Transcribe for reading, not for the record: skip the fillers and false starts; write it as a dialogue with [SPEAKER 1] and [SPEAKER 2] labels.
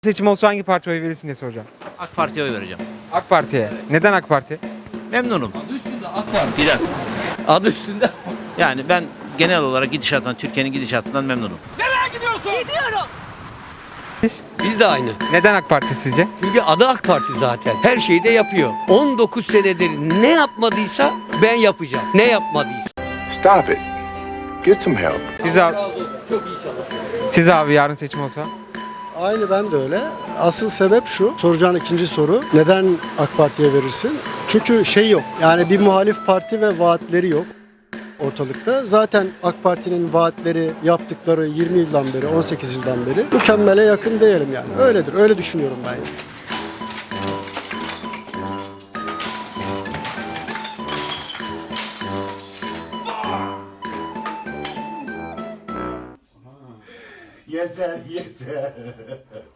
[SPEAKER 1] Seçim olsa hangi partiye oy verirsin diye soracağım.
[SPEAKER 2] AK Parti'ye oy vereceğim.
[SPEAKER 1] AK Parti'ye. Neden AK Parti?
[SPEAKER 2] Memnunum.
[SPEAKER 3] Adı üstünde AK Parti.
[SPEAKER 2] Bir dakika.
[SPEAKER 3] Adı üstünde.
[SPEAKER 2] Yani ben genel olarak gidişattan, Türkiye'nin gidişatından memnunum.
[SPEAKER 4] Gidiyorum.
[SPEAKER 3] Biz de aynı.
[SPEAKER 1] Neden AK Parti sizce?
[SPEAKER 3] Çünkü adı AK Parti zaten. Her şeyi de yapıyor. 19 senedir ne yapmadıysa ben yapacağım. Ne yapmadıysa.
[SPEAKER 5] Stop it. Get some help.
[SPEAKER 1] Siz abi,
[SPEAKER 3] Çok iyi çalışıyor.
[SPEAKER 1] siz abi yarın seçim olsa?
[SPEAKER 6] Aynı ben de öyle. Asıl sebep şu, soracağın ikinci soru. Neden AK Parti'ye verirsin? Çünkü şey yok. Yani bir muhalif parti ve vaatleri yok ortalıkta. Zaten AK Parti'nin vaatleri, yaptıkları 20 yıldan beri, 18 yıldan beri mükemmele yakın diyelim yani. Öyledir. Öyle düşünüyorum ben. Yani.
[SPEAKER 7] Yeter yeter.